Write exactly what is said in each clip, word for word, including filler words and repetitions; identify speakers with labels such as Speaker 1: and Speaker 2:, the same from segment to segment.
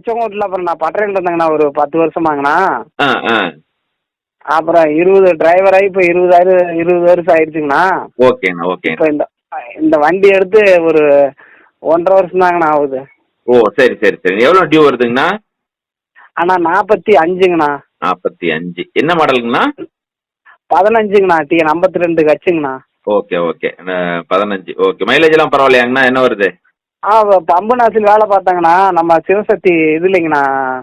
Speaker 1: லட்சம் ஓட்டல. அப்புறம் நான் பட்டறையில் இருந்தேங்கண்ணா ஒரு பத்து வருஷமாங்கண்ணா.
Speaker 2: ஆ ஆ
Speaker 1: அப்புறம் இருபது டிரைவர் ஆகி இப்போ இருபதாயிரம் இருபது வருஷம் ஆயிடுச்சுங்கண்ணா.
Speaker 2: ஓகேண்ணா ஓகே.
Speaker 1: இப்போ இந்த இந்த வண்டி எடுத்து ஒரு ஒன்றரை வருஷம் தாங்கண்ணா ஆகுது.
Speaker 2: ஓ சரி சரி சரி. எவ்வளோ டியூ வருதுங்கண்ணா?
Speaker 1: அண்ணா நாற்பத்தி அஞ்சுங்கண்ணா.
Speaker 2: நாற்பத்தி அஞ்சு என்ன மாடலுங்கண்ணா?
Speaker 1: பதினஞ்சுங்கண்ணா. டிஎன் ஐம்பத்தி ரெண்டு கட்சுங்கண்ணா.
Speaker 2: Okay okay. பதினஞ்சு ஓகே. மைலேஜ் எல்லாம் பரவாயில்லையாங்கண்ணா? என்ன வருது?
Speaker 1: ஆ பம்பு நாசில் வேலை பார்த்தாங்கண்ணா. நம்ம சிவசக்தி இது இல்லைங்கண்ணா,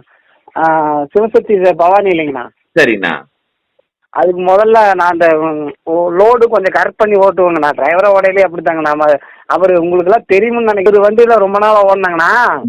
Speaker 1: சிவசக்தி பவானி இல்லைங்கண்ணா.
Speaker 2: சரிங்கண்ணா.
Speaker 1: அதுக்கு முதல்ல நான் அந்த லோடு கொஞ்சம் கரெக்ட் பண்ணி ஓட்டுவேங்கண்ணா. டிரைவரை ஓடையிலே அப்படித்தாங்கண்ணா. நம்ம அவர் உங்களுக்குலாம் தெரியும்னு நினைக்கிறது வண்டியில் ரொம்ப நாளாக ஓடினாங்கண்ணா.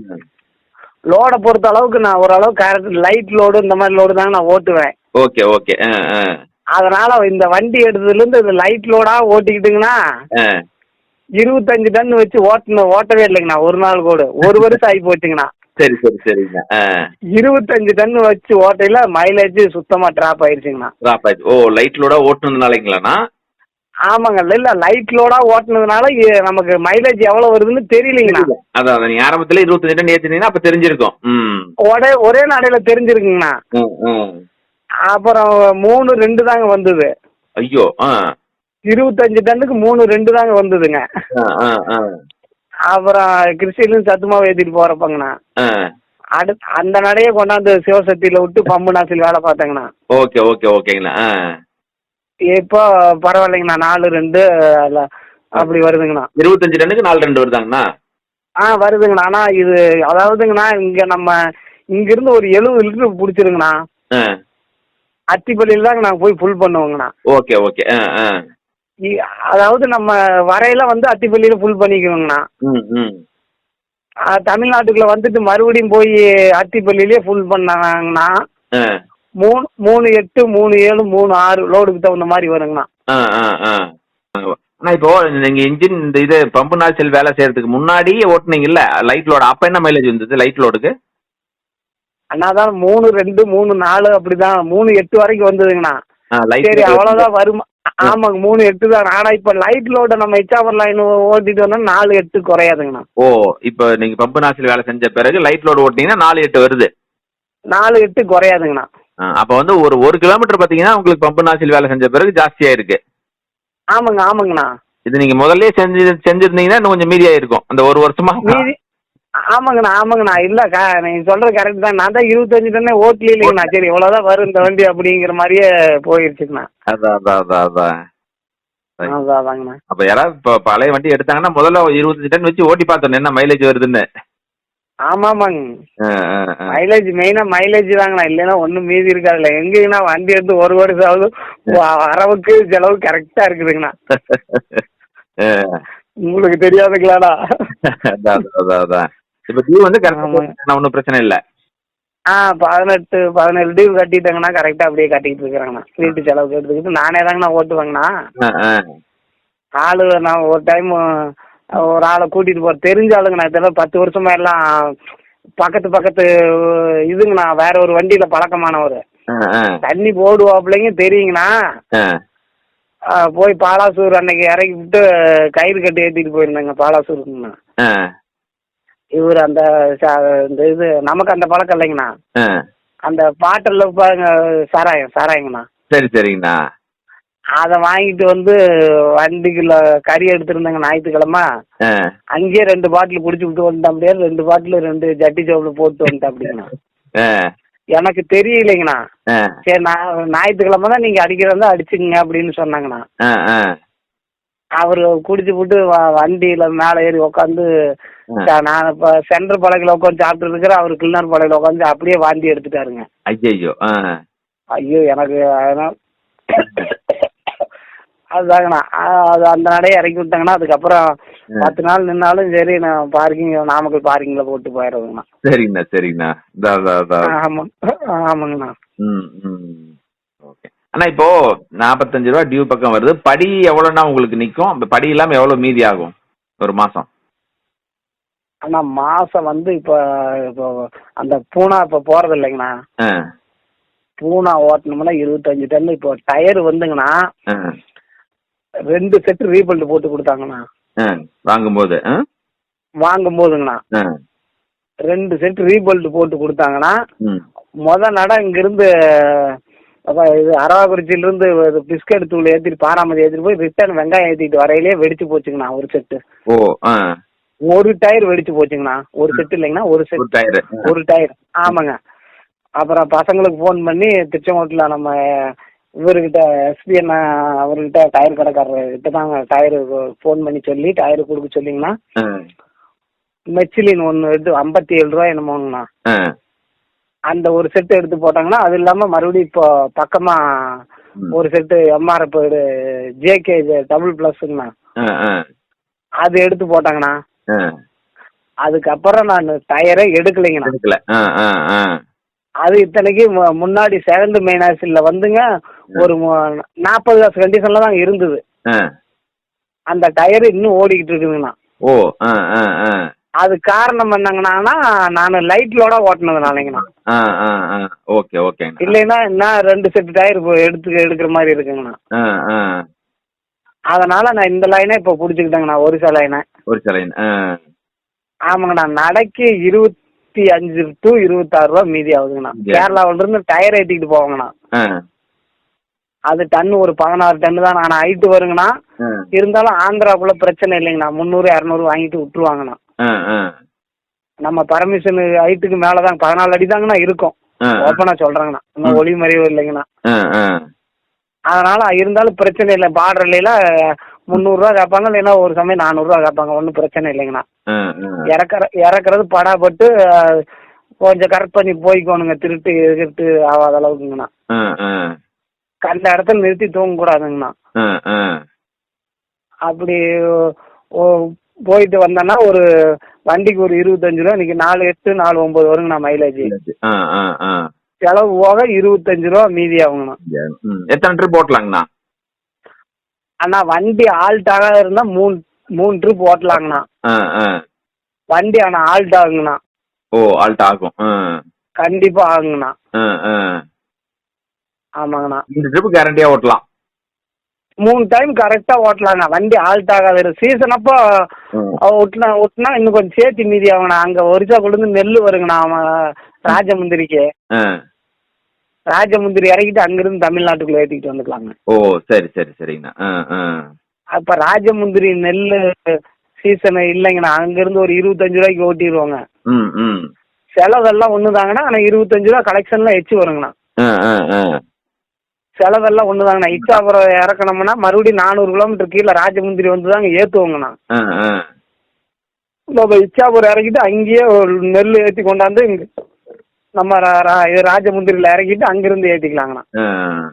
Speaker 1: லோடை பொறுத்த அளவுக்கு நான் ஓரளவு கரெக்ட் லைட் லோடு இந்த மாதிரி லோடு தாங்க நான் ஓட்டுவேன்.
Speaker 2: Okay okay. ஆ ஆ
Speaker 1: அதனால இந்த வண்டி எடுத்ததுலேருந்து இந்த லைட் லோடாக ஓட்டிக்கிட்டுங்கண்ணா
Speaker 2: ஆ
Speaker 1: இருபத்தஞ்சு டன் வச்சு ஓட்டணும் ஓட்டவே இல்லைங்கண்ணா. ஒரு நாள் கூட ஒரு வருஷம் ஆகி போச்சுங்கண்ணா.
Speaker 2: சரி சரி சரிங்க. ஆ
Speaker 1: இருபத்தஞ்சு டன் வச்சு ஓட்டையில மைலேஜ் சுத்தமா டிராப் ஆயிடுச்சுங்கண்ணா.
Speaker 2: டிராப் ஆயிடுச்சு. ஓ லைட் லோடா ஓட்டுனதுனாலங்களாண்ணா?
Speaker 1: ஆமாங்க. இல்ல லைட் லோடா ஓட்டுனதுனால இ- நமக்கு மைலேஜ் எவ்வளவு வருதுன்னு தெரியலீங்கண்ணா.
Speaker 2: அதான் நீங்க ஆரம்பத்துல இருபத்தஞ்சு டன் ஏத்துனீங்கன்னா அப்ப தெரிஞ்சிருக்கும். ம்
Speaker 1: ஒரே ஒரே நடையில தெரிஞ்சிருக்குங்கண்ணா.
Speaker 2: ம், ம்.
Speaker 1: அப்புறம் மூணு ரெண்டு தாங்க வந்தது.
Speaker 2: ஐயோ. ஆ
Speaker 1: இருபத்தஞ்சு டன்னுக்கு மூணு ரெண்டு தாங்க வந்ததுங்க.
Speaker 2: ஆ ஆ ஆ
Speaker 1: அப்புறம் கிறிஸ்டிலும் சத்துமாவை ஏற்றிட்டு போறப்பங்கண்ணா
Speaker 2: ஆ
Speaker 1: அடுத்து அந்த நடையை கொண்டாந்து சிவசக்தியில விட்டு பம்பு நாசில் வேலை பார்த்தேங்கண்ணா.
Speaker 2: ஓகே ஓகே ஓகேங்கண்ணா. ஆ
Speaker 1: இப்போ பரவாயில்லைங்கண்ணா. நாலு ரெண்டு அல்ல- அப்படி வருதுங்கண்ணா.
Speaker 2: இருபத்தஞ்சு டன்னுக்கு நாலு ரெண்டு வருதாங்கண்ணா?
Speaker 1: ஆ வருதுங்கண்ணா. ஆனால் இது அதாவதுங்கண்ணா இங்கே நம்ம இங்கிருந்து ஒரு எழுபது லிட்டர் பிடிச்சிருங்கண்ணா.
Speaker 2: ஆ
Speaker 1: அத்திப்பள்ளியில் தாங்க நாங்கள் போய் ஃபுல் பண்ணுவோங்கண்ணா.
Speaker 2: Okay okay. ஆ ஆ
Speaker 1: இ- அதாவது நம்ம வரையில வந்து அத்திப்பள்ளியில் ஃபுல் பண்ணிக்குவோங்கண்ணா.
Speaker 2: ம் ம்
Speaker 1: ஆ, தமிழ்நாட்டுக்குள்ள வந்துட்டு மறுபடியும் போய் அத்திப்பள்ளியிலே ஃபுல் பண்ணாங்கன்னா
Speaker 2: ஆ
Speaker 1: மூணு மூணு எட்டு மூணு ஏழு மூணு ஆறு லோடுக்கு தகுந்த மாதிரி வருங்கண்ணா.
Speaker 2: ஆ ஆ ஆ அண்ணா இப்போ நீங்க இன்ஜின் இந்த இது பம்பு நாய்ச்சல் வேலை செய்யறதுக்கு முன்னாடி ஓட்டுனீங்கல்ல லைட் லோடு, அப்ப என்ன மைலேஜ் வந்தது லைட் லோடுக்கு?
Speaker 1: அண்ணா தான் மூணு ரெண்டு மூணு நாலு அப்படிதான் மூணு எட்டு வரைக்கும் வந்ததுங்கண்ணா.
Speaker 2: லைட்
Speaker 1: சரி அவ்வளோதான் வருமா. ஆமாங்க மூணு எட்டு தான். ஆனால் இப்போ லைட் லோடை நம்ம எச்சாவர் லைன் ஓட்டிட்டு வந்தோம் நாலு எட்டு குறையாதுங்கண்ணா.
Speaker 2: ஓ இப்போ நீங்க பம்பு நாய்ச்சல் வேலை செஞ்ச பிறகு லைட் லோடு ஓட்டினீங்கன்னா நாலு எட்டு வருது.
Speaker 1: நாலு எட்டு குறையாதுங்கண்ணா.
Speaker 2: ஆ, அப்ப வந்து ஒரு ஒரு கிலோமீட்டர் பாத்தீங்கன்னா உங்களுக்கு பம்பு நாய்ச்சல் வேலை செஞ்ச பிறகு ஜாஸ்தியா இருக்கு.
Speaker 1: ஆமாங்க ஆமாங்கண்ணா.
Speaker 2: இது நீங்க முதல்ல செஞ்சு செஞ்சிருந்தீங்கன்னா இன்னும் கொஞ்சம் மீதியா இருக்கும் அந்த ஒரு வருஷமா.
Speaker 1: மீதி ஆமாங்கண்ணா ஆமாங்கண்ணா. இல்லைக்கா நீங்கள் சொல்கிறது கரெக்ட் தான். நான் தான் இருபத்தஞ்சு டன்னே ஓட்டல இல்லைங்கண்ணா. சரி இவ்வளோதான் வரும் இந்த வண்டி அப்படிங்கிற மாதிரியே போயிடுச்சுங்கண்ணா.
Speaker 2: அதான் அதான் அதான் அதான் சரி.
Speaker 1: அதான் அதாங்கண்ணா.
Speaker 2: அப்ப யாராவது இப்போ பழைய வண்டி எடுத்தாங்கன்னா முதல்ல இருபத்தஞ்சு டன் வச்சு ஓட்டி பார்த்தோம் என்ன மைலேஜ் வருதுன்னு.
Speaker 1: ஆமாம் ஆமாங்க.
Speaker 2: ஆ, ஆ, ஆ.
Speaker 1: மைலேஜ் மெயினாக மைலேஜ் தாங்கண்ணா. இல்லைன்னா ஒன்றும் மீதி இருக்காதுல்ல. எங்கேங்கண்ணா வண்டி எடுத்து ஒரு வருஷம் ஆகுது வ- வரவுக்கு செலவு கரெக்டாக இருக்குதுங்கண்ணா.
Speaker 2: ஆ,
Speaker 1: உங்களுக்கு தெரியாதுங்களாண்ணா.
Speaker 2: அதான் அதான் அதான் அதான். இப்ப டியூ வந்து
Speaker 1: ஆமாங்க.
Speaker 2: கரெக்டாக ஒன்றும் பிரச்சனை இல்லை.
Speaker 1: ஆ பதினெட்டு பதினேழு டியூ கட்டிட்டேங்கண்ணா. கரெக்டாக அப்படியே கட்டிக்கிட்டு இருக்கிறேங்கண்ணா. வீட்டு செலவுக்கு எடுத்துக்கிட்டு நானே தாங்கண்ணா ஓட்டுவேங்கண்ணா.
Speaker 2: ஆ, ஆ.
Speaker 1: ஆளு நான் ஒரு டைம் ஒரு ஆளை கூட்டிகிட்டு போகிறேன். தெரிஞ்ச ஆளுங்கண்ணா. இதெல்லாம் பத்து வருஷமா எல்லாம் பக்கத்து பக்கத்து இதுங்கண்ணா. வேற ஒரு வண்டியில் பழக்கமானவர்.
Speaker 2: ஆ, ஆ.
Speaker 1: தண்ணி போடுவாப்பிள்ளைங்க தெரியுங்கண்ணா.
Speaker 2: ஆ.
Speaker 1: ஆ, போய் பாலாசூர் அன்னைக்கு இறக்கி விட்டு கயிறு கட்டி ஏற்றிட்டு போயிருந்தேங்க பாலாசூருக்குங்கண்ணா.
Speaker 2: ஆ,
Speaker 1: இவர் அந்த ச- இந்த இது நமக்கு அந்த பழக்கம் இல்லைங்கண்ணா.
Speaker 2: ஆ.
Speaker 1: அந்த பாட்டில் பாருங்க சாராயம் சாராயங்கண்ணா.
Speaker 2: சரி சரிங்கண்ணா.
Speaker 1: அதை வாங்கிட்டு வந்து வண்டிக்குள்ள கறி எடுத்துருந்தேங்க ஞாயிற்றுக்கிழமை.
Speaker 2: ஆ.
Speaker 1: அங்கேயே ரெண்டு பாட்டில் குடிச்சு விட்டு வந்துட்டேன். அப்படியே ரெண்டு பாட்டில் ரெண்டு ஜட்டி சோப்பில் போட்டு வந்துட்டேன் அப்படிங்கண்ணா.
Speaker 2: ஆ,
Speaker 1: எனக்கு தெரியலைங்கண்ணா.
Speaker 2: ஆ.
Speaker 1: சரி நான் ஞாயிற்றுக்கிழமை தான் நீங்கள் அடிக்கிறதா அடிச்சுங்க அப்படின்னு சொன்னாங்கண்ணா.
Speaker 2: ஆ, ஆ.
Speaker 1: அவர் குடிச்சு விட்டு வண்டியில் மேலே ஏறி உட்காந்து நான் இப்போ சென்ட்ரு பழகில் உட்காந்து சாப்பிட்டு இருக்கிறேன். அவர் கிளினர் பழகில் உட்காந்து அப்படியே வாந்தி எடுத்துட்டாருங்க.
Speaker 2: ஐயையோ. ஆ.
Speaker 1: ஐயோ எனக்கு அதனால் அதுதாங்கண்ணா. ஆ, அது அந்த நடையை இறக்கி விட்டாங்கண்ணா. அதுக்கப்புறம் பத்து நாள் நின்னாலும் சரி நான் பார்க்கிங் நாமக்கல் பார்க்கிங்கில் போட்டு போயிடுறதுங்கண்ணா.
Speaker 2: சரிங்கண்ணா சரிங்கண்ணா. அதான் அதான் அதான்.
Speaker 1: ஆமாம் ஆமாங்கண்ணா.
Speaker 2: ம் ம் ஓகே அண்ணா. இப்போ நாற்பத்தஞ்சு ரூபா டியூ பக்கம் வருது. படி எவ்வளோண்ணா உங்களுக்கு நிற்கும்? இப்போ படி இல்லாமல் எவ்வளோ மீதி ஆகும் ஒரு மாதம்?
Speaker 1: அண்ணா மாதம் வந்து இப்போ இப்போ அந்த பூனா இப்போ போகிறது இல்லைங்கண்ணா.
Speaker 2: ஆ
Speaker 1: பூனா ஓட்டணும்னா இருபத்தஞ்சு டன். இப்போ டயர் வந்துங்கண்ணா
Speaker 2: ஆ
Speaker 1: ரெண்டு செட்டு ரீபல்ட் போட்டு கொடுத்தாங்கண்ணா
Speaker 2: ஆ வாங்கும்போது. ஆ
Speaker 1: வாங்கும் போதுங்கண்ணா.
Speaker 2: ஆ
Speaker 1: ரெண்டு செட் ரீபல்ட் போட்டு கொடுத்தாங்கன்னா
Speaker 2: ம்
Speaker 1: முத நட இங்கிருந்து அப்ப இது அரவாக்குறிச்சியிலிருந்து பிஸ்கட் தூள் ஏற்றிட்டு பாராமதி ஏற்றிட்டு போய் ரிட்டர்ன் வெங்காயம் ஏற்றிட்டு வரையிலே வெடிச்சு போச்சுங்கண்ணா ஒரு செட்டு.
Speaker 2: ஓ ஆ
Speaker 1: ஒரு டயர் வெடிச்சு போச்சுங்கண்ணா. ஒரு செட்டு இல்லைங்கண்ணா, ஒரு
Speaker 2: ஒரு
Speaker 1: செட்
Speaker 2: டயரு
Speaker 1: ஒரு டயர். ஆமாங்க. அப்புறம் பசங்களுக்கு ஃபோன் பண்ணி திருச்செங்கோட்டில் நம்ம இவர்கிட்ட எஸ்பி அண்ணா அவர்கிட்ட டயர் கடைக்காரர்கிட்ட தாங்க டயரு ஃபோன் பண்ணி சொல்லி டயரு கொடுக்க சொல்லிங்கண்ணா.
Speaker 2: ஆ
Speaker 1: மெச்சிலின் ஒன்று எடுத்து ஐம்பத்தி ஏழு ரூபா என்னமோங்கண்ணா.
Speaker 2: ஆ
Speaker 1: அந்த ஒரு செட்டு எடுத்து போட்டாங்கன்னா அது இல்லாமல் மறுபடியும் இப்போ பக்கமாக ஒரு செட்டு எம்ஆர்எஃப் ஜேகே டபுள் ப்ளஸ்ங்கண்ணா,
Speaker 2: ஆ ஆ
Speaker 1: அது எடுத்து போட்டாங்கண்ணா.
Speaker 2: ஆ
Speaker 1: அதுக்கப்புறம் நான் டயரே எடுக்கலைங்கண்ணா.
Speaker 2: எடுக்கல. ஆ ஆ ஆ
Speaker 1: அது இத்தனைக்கு மு- முன்னாடி செகண்ட் மெயின் ஆக்சில் வந்துங்க ஒரு மு- நாற்பது காசு கண்டிஷனில் தான் இருந்தது.
Speaker 2: ஆ
Speaker 1: அந்த டயர் இன்னும் ஓடிக்கிட்டு இருக்குதுங்கண்ணா.
Speaker 2: ஓ ஆ ஆ ஆ
Speaker 1: அது காரணம் என்னங்கண்ணா, நான் லைட்லோட ஓட்டினதுனாலங்கண்ணா.
Speaker 2: ஆ ஆ ஆ ஓகே ஓகேங்க.
Speaker 1: இல்லைன்னா நான் ரெண்டு செட் டயர் எடுத்து எடுக்கிற மாதிரி இருக்குங்கண்ணா.
Speaker 2: ஆ ஆ
Speaker 1: அதனால நான் இந்த லைனே இப்போ பிடிச்சிக்கிட்டேங்கண்ணா, ஒரிசா லைனை.
Speaker 2: ஒரு சிலைன். ஆ
Speaker 1: ஆமாங்கண்ணா. நடைக்கு இருபத்தி அஞ்சு டு இருபத்தாறு ரூபா மீதி ஆகுதுங்கண்ணா. கேரளாவில இருந்து டயர் ஏற்றிக்கிட்டு போவாங்கண்ணா.
Speaker 2: ஆ
Speaker 1: அது டன்னு ஒரு பதினாறு டன்னு தான் நான் ஹைட்டு வருங்கண்ணா.
Speaker 2: ஆ
Speaker 1: இருந்தாலும் ஆந்திராக்குள்ள பிரச்சனை இல்லைங்கண்ணா. முந்நூறு இரநூறு வாங்கிட்டு விட்டுருவாங்கண்ணா.
Speaker 2: ஆ ஆ
Speaker 1: நம்ம பர்மிஷன் ஹைட்டுக்கு மேலே தான் பதினாலு அடி தாங்கண்ணா இருக்கும்.
Speaker 2: ஆ
Speaker 1: ஓப்பனாக சொல்கிறேங்கண்ணா, இன்னும் ஒளி மறைவு இல்லைங்கண்ணா.
Speaker 2: ஆ ஆ
Speaker 1: அதனால இருந்தாலும் பிரச்சனை இல்லை. பார்டர்ல முந்நூறுரூவா கேட்பாங்க, இல்லைன்னா ஒரு சமயம் நானூறுரூவா கேட்பாங்க. ஒன்றும் பிரச்சனை இல்லைங்கண்ணா.
Speaker 2: ஆ ஆ
Speaker 1: இறக்குற இறக்குறது படாப்பட்டு அஹ், கொஞ்சம் கரெக்ட் பண்ணி போய்க்கோணுங்க. திருட்டு எதிர்த்து ஆகாத அளவுக்குங்கண்ணா.
Speaker 2: ஆ ஆ
Speaker 1: கண்ட இடத்துல நிறுத்தி தூங்கக்கூடாதுங்கண்ணா.
Speaker 2: ஆ ஆ
Speaker 1: அப்படி ஓ- போயிட்டு வந்தேன்னா ஒரு வண்டிக்கு ஒரு இருபத்தஞ்சு ரூபா. இன்னைக்கு நாலு எட்டு நாலு ஒன்பது வருங்கண்ணா மைலேஜ்.
Speaker 2: ஆ ஆ ஆ
Speaker 1: செலவு போக இருபத்தஞ்சு ரூபா மீதி ஆகுங்கண்ணா.
Speaker 2: ம் எத்தனை ட்ரிப் ஓட்டலாங்கண்ணா?
Speaker 1: அண்ணா வண்டி ஆல்ட்டாக இருந்தால் மூணு மூணு ட்ரிப் ஓட்டலாங்கண்ணா.
Speaker 2: ஆ ஆ
Speaker 1: வண்டி ஆனால் ஆல்ட் ஆகுங்கண்ணா.
Speaker 2: ஓ ஆல்ட் ஆகும். ஆ
Speaker 1: கண்டிப்பாக ஆகுங்கண்ணா.
Speaker 2: ஆ ஆ
Speaker 1: ஆமாங்கண்ணா.
Speaker 2: இந்த ட்ரிப் கேரண்டியா ஓட்டலாம்.
Speaker 1: மூணு டைம் கரெக்டாக ஓட்டலாங்க. வண்டி ஆல்ட் ஆகாத சீசன் அப்போ ஒட்டினா ஒட்டினா இன்னும் கொஞ்சம் சேர்த்து மீதி ஆகுங்கண்ணா. அங்கே ஒரிசா கொண்டு நெல் வருங்கண்ணா. அவன் ராஜமுந்திரிக்கு
Speaker 2: ஆ
Speaker 1: ராஜமுந்திரி இறக்கிட்டு அங்கிருந்து தமிழ்நாட்டுக்குள்ள ஏற்றிக்கிட்டு வந்துக்கலாங்க.
Speaker 2: ஓ சரி சரி சரிங்கண்ணா. ஆ ஆ
Speaker 1: அப்போ ராஜமுந்திரி நெல் சீசனு இல்லைங்கண்ணா. அங்கேருந்து ஒரு இருபத்தஞ்சு ரூபாய்க்கு ஓட்டிடுவாங்க.
Speaker 2: ம் ம்
Speaker 1: செலவெல்லாம் ஒன்று தாங்கண்ணா. ஆனால் இருபத்தஞ்சு ரூபா கலெக்ஷன்லாம் எச்சு வருங்கண்ணா.
Speaker 2: ஆ ஆ ஆ
Speaker 1: செலவெல்லாம் ஒன்று தாங்கண்ணா. இச்சாபுரம் இறக்கணும்னா மறுபடியும் நானூறு கிலோமீட்டர் கீழே ராஜமுந்திரி வந்து தாங்க ஏற்றுவோங்கண்ணா.
Speaker 2: ஆ ஆ
Speaker 1: நம்ம இச்சாபுரம் இறக்கிட்டு அங்கேயே ஒரு நெல் ஏற்றி கொண்டாந்து இங்கே நம்ம ரா- ரா- இது ராஜமுந்திரியில் இறக்கிட்டு அங்கிருந்து ஏற்றிக்கலாங்கண்ணா.
Speaker 2: ஆ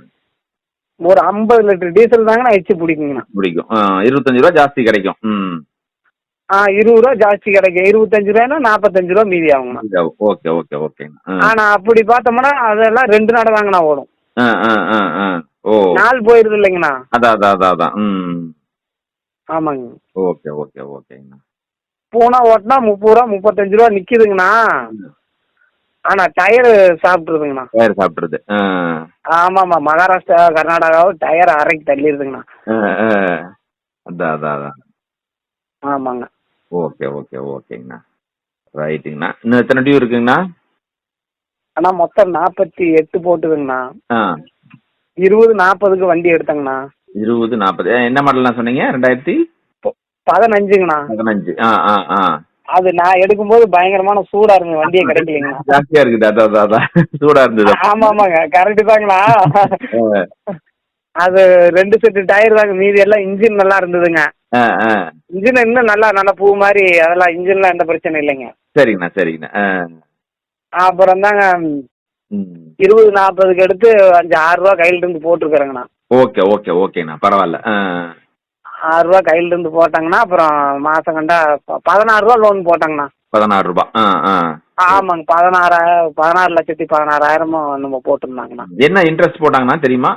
Speaker 1: ஒரு ஐம்பது லிட்டர் டீசல் தாங்கண்ணா எச்சு பிடிக்குங்கண்ணா.
Speaker 2: பிடிக்கும். ஆ இருபத்தஞ்சு ரூபா ஜாஸ்தி கிடைக்கும். ம்
Speaker 1: ஆ இருபது ரூபா ஜாஸ்தி கிடைக்கும். இருபத்தஞ்சு ரூபாய்னா நாற்பத்தஞ்சு ரூபா மீதி ஆகுங்கண்ணா.
Speaker 2: ஓகே ஓகே ஓகேங்கண்ணா.
Speaker 1: ஆனால் அப்படி பார்த்தோம்னா அதெல்லாம் ரெண்டு நாள் தாங்கண்ணா ஓடும்.
Speaker 2: ஆ ஆ ஆ ஆ ஓ
Speaker 1: நாள் போயிருது இல்லைங்கண்ணா.
Speaker 2: அதான் அதான் அதான் அதான். ம்
Speaker 1: ஆமாங்க.
Speaker 2: ஓகே ஓகே ஓகேங்கண்ணா.
Speaker 1: பூனா ஓட்டினா முப்பது ரூபா முப்பத்தஞ்சு ரூபா நிற்கிதுங்கண்ணா. ஆனால் டயரு சாப்பிட்ருதுங்கண்ணா.
Speaker 2: வேறு சாப்பிட்றது. ஆ
Speaker 1: ஆமாம்மா. மகாராஷ்டிரா கர்நாடகாவும் டயர் அரைக்கு தள்ளிடுதுங்கண்ணா.
Speaker 2: ஆ ஆ அதான் அதான் அதான்.
Speaker 1: ஆமாங்க.
Speaker 2: ஓகே ஓகே ஓகேங்கண்ணா. ரைட்டுங்கண்ணா. இன்னும் எத்தனை டியூ இருக்குங்கண்ணா?
Speaker 1: ஆனால் மொத்தம் நாற்பத்தி எட்டு போட்டுதுங்கண்ணா.
Speaker 2: ஆ
Speaker 1: இருபது நாற்பதுக்கு வண்டி எடுத்தேங்கண்ணா.
Speaker 2: இருபது நாற்பது என்ன மாடல்லாம் சொன்னீங்க? ரெண்டாயிரத்தி
Speaker 1: பொ- பதினஞ்சுங்கண்ணா.
Speaker 2: பதினஞ்சு. ஆ ஆ ஆ
Speaker 1: அது நான் எடுக்கும்போது பயங்கரமான சூடா இருந்தது, வண்டியே கிடைக்கலைங்கண்ணா.
Speaker 2: ஜாஸ்தியா இருக்குது. அதான் அதான் அதான் சூடா இருந்தது.
Speaker 1: ஆமா ஆமாங்க, கரெக்டு தாங்கண்ணா.
Speaker 2: ஆ,
Speaker 1: அது ரெண்டு செட்டு டயர் தாங்க, மீதி எல்லாம் இன்ஜின் நல்லா இருந்ததுங்க.
Speaker 2: ஆ, ஆ.
Speaker 1: இன்ஜின் இன்னும் நல்லா நல்லா பூ மாதிரி, அதெல்லாம் இன்ஜின்லாம் எந்த பிரச்சனை இல்லைங்க.
Speaker 2: சரிங்கண்ணா சரிங்கண்ணா. ஆ
Speaker 1: அப்புறம் தாங்க
Speaker 2: ம்
Speaker 1: இருபது நாற்பதுக்கு எடுத்து அஞ்சு ஆறு ரூபா கையில இருந்து போட்டிருக்கிறேங்கண்ணா.
Speaker 2: ஓகே ஓகே ஓகேண்ணா. பரவாயில்ல. ஆ
Speaker 1: ஆறு ரூபா கையில இருந்து போட்டாங்கன்னா அப்புறம் மாசம் கண்டா ப- பதினாறு ரூபா லோன் போட்டாங்கண்ணா.
Speaker 2: பதினாறு ரூபா. ஆ ஆ
Speaker 1: ஆமாங்க, பதினாறாயிரம் பதினாறு லட்சத்தி பதினாறாயிரமும் நம்ம போட்டிருந்தாங்கண்ணா.
Speaker 2: என்ன இன்ட்ரெஸ்ட் போட்டாங்கண்ணா தெரியுமா?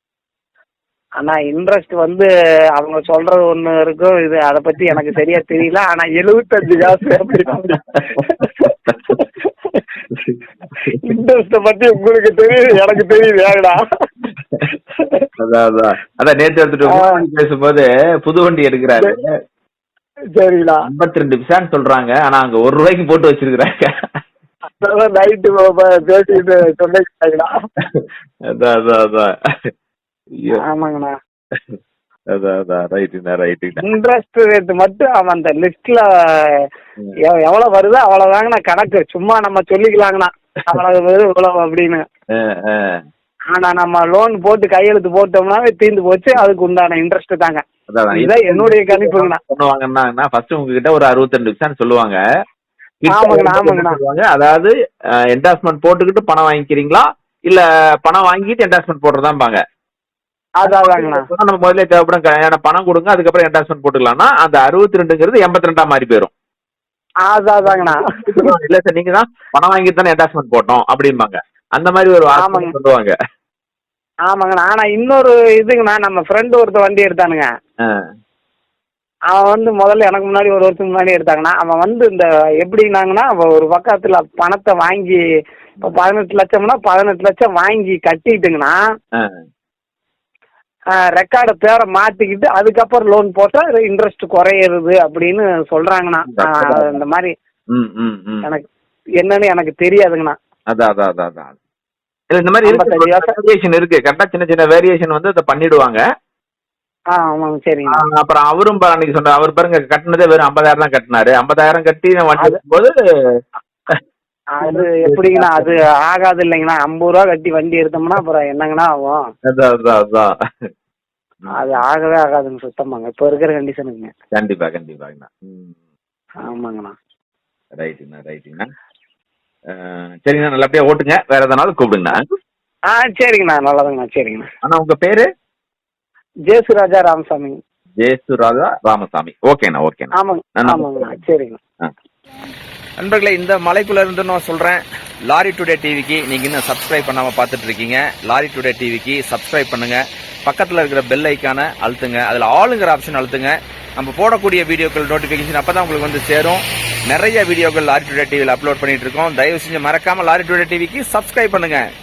Speaker 1: ஆனா இன்ட்ரெஸ்ட் வந்து அவங்க சொல்றது ஒண்ணு இருக்கும், இது அதை பத்தி எனக்கு சரியா தெரியல. ஆனா எழுபத்தஞ்சு காசு அப்படின்னா இன்ட்ரெஸ்ட பத்தி உங்களுக்கு தெரியுது, எனக்கு தெரியுது. ஏடா
Speaker 2: அதான் அதான் அதான் நேற்று எடுத்துட்டு பேசும்போது புது வண்டி எடுக்கிறாரு.
Speaker 1: சரிங்கண்ணா.
Speaker 2: ஐம்பத்தி ரெண்டு பிசான்னு சொல்றாங்க, ஆனா அங்க ஒரு ரூபாய்க்கு போட்டு வச்சிருக்கிறாங்க.
Speaker 1: அதான் நைட்டு பேசிட்டு சொன்னீங்கண்ணா.
Speaker 2: அதான் அதான் அதான். ஐயோ.
Speaker 1: ஆமாங்கண்ணா.
Speaker 2: அதான் அதான் ரைட்டுண்ணா ரைட்டுண்ணா.
Speaker 1: இன்ட்ரெஸ்ட் ரேட் மட்டும் அவன் அந்த லிஸ்ட்ல எவ்வளவு வருதோ அவ்வளவுதாங்கண்ணா கணக்கு. சும்மா நம்ம சொல்லிக்கலாங்கண்ணா அவ்வளவு வரும் இவ்வளவு அப்படின்னு. ஆனா நம்ம லோன் போட்டு கையெழுத்து போட்டோம்னாவே தீர்ந்து போச்சு. அதுக்கு உண்டான இன்ட்ரெஸ்ட் தாங்க. இதுதான் என்னுடைய கணிப்புங்கண்ணா.
Speaker 2: பண்ணுவாங்கன்னா ஃபர்ஸ்ட் உங்ககிட்ட ஒரு அறுபத்தி ரெண்டு பிசான்னு சொல்லுவாங்க.
Speaker 1: ஆமாங்கண்ணா ஆமாங்கண்ணா.
Speaker 2: அதாவது என்டாஸ்மெண்ட் போட்டுக்கிட்டு பணம் வாங்கிக்கிறீங்களா இல்ல பணம் வாங்கிட்டு என்டாஸ்மெண்ட் போடுறதாம்பாங்க.
Speaker 1: அதாங்கண்ணா.
Speaker 2: நம்ம முதல்ல தேவைப்படும் பணம் கொடுங்க, அதுக்கப்புறம் என்டாஸ்மெண்ட் போட்டுக்கலாம்னா அந்த அறுபத்தி ரெண்டுங்கிறது எண்பத்தி ரெண்டா மாறி போயிடும்.
Speaker 1: அதாங்கண்ணா.
Speaker 2: இல்ல சார் நீங்க தான் பணம் வாங்கிட்டு தானே என்டாஸ்மெண்ட் போட்டோம் அப்படிம்பாங்க. அந்த மாதிரி ஒரு
Speaker 1: ஆமாங்க
Speaker 2: சொல்லுவாங்க.
Speaker 1: ஆமாங்கண்ணா. ஆனா இன்னொரு இதுங்கண்ணா, நம்ம ஃப்ரெண்டு ஒருத்த வண்டி எடுத்தானுங்க. அவன் வந்து முதல்ல எனக்கு முன்னாடி ஒரு வருஷத்துக்கு முன்னாடி எடுத்தாங்கண்ணா. அவன் வந்து இந்த எப்படின்னாங்கன்னா அவன் ஒரு பக்கத்துல பணத்தை வாங்கி இப்போ பதினெட்டு லட்சம்னா பதினெட்டு லட்சம் வாங்கி கட்டிட்டுங்கண்ணா ரெக்கார்டை பேரை மாத்திக்கிட்டு அதுக்கப்புறம் லோன் போட்டா இன்ட்ரெஸ்ட் குறையிறது அப்படின்னு சொல்றாங்கண்ணா. இந்த மாதிரி எனக்கு என்னன்னு எனக்கு தெரியாதுங்கண்ணா.
Speaker 2: அதான் அதான் அதான் அதான் இந்த மாதிரி வேரியேஷன் இருக்கு. கரெக்டா சின்ன சின்ன வேரியேஷன் வந்து அதை பண்ணிடுவாங்க.
Speaker 1: ஆ ஆமாங்க சரிங்க.
Speaker 2: அப்புறம் அவரும் அன்னைக்கு சொன்ன அவர் பாருங்க கட்டினதே வெறும் ஐம்பதாயிரம் தான் கட்டினாரு. ஐம்பதாயிரம் கட்டி வண்டி போது
Speaker 1: அது எப்படிங்கண்ணா அது ஆகாது இல்லைங்கண்ணா. ஐம்பது ரூபா கட்டி வண்டி எடுத்தோம்னா அப்புறம் என்னங்கண்ணா ஆகும்?
Speaker 2: அதான் அதான் அதான்
Speaker 1: அது ஆகவே ஆகாதுங்க சுத்தமாங்க இப்போ இருக்கிற கண்டிஷனுக்குங்க.
Speaker 2: கண்டிப்பா கண்டிப்பாங்கண்ணா.
Speaker 1: ஆமாங்கண்ணா.
Speaker 2: ரைட்டுங்கண்ணா ரைட்டுங்கண்ணா. சரிங்கண்ணா நல்லபடியா ஓட்டுங்க. வேற எதனாலும் கூப்பிடுங்கண்ணா.
Speaker 1: ஆ சரிங்கண்ணா நல்லதுங்கண்ணா. சரிங்கண்ணா.
Speaker 2: அண்ணா உங்க பேரு?
Speaker 1: ஜேசுராஜா ராமசாமி.
Speaker 2: ஜேசுராஜா ராமசாமி. ஓகேண்ணா ஓகேண்ணா.
Speaker 1: ஆமாங்க ஆமாங்கண்ணா. சரிங்கண்ணா.
Speaker 3: நண்பர்களே, இந்த மலைக்குள்ள இருந்து நான் சொல்றேன், லாரி டுடே டிவிக்கு நீங்க இன்னும் சப்ஸ்கிரைப் பண்ணாம பார்த்துட்டு இருக்கீங்க. லாரி டுடே டிவிக்கு சப்ஸ்கிரைப் பண்ணுங்க. பக்கத்துல இருக்கிற பெல் ஐக்கான அழுத்துங்க. அதுல ஆளுங்கிற ஆப்ஷன் அழுத்துங்க. நம்ம போடக்கூடிய வீடியோக்கள் நோட்டிபிகேஷன் அப்பதான் உங்களுக்கு வந்து சேரும். நிறைய வீடியோக்கள் லாரி டுடே டிவியில் அப்லோட் பண்ணிட்டு இருக்கோம். தயவு செஞ்சு மறக்காம லாரி டுடே டிவிக்கு சப்ஸ்கிரைப் பண்ணுங்க.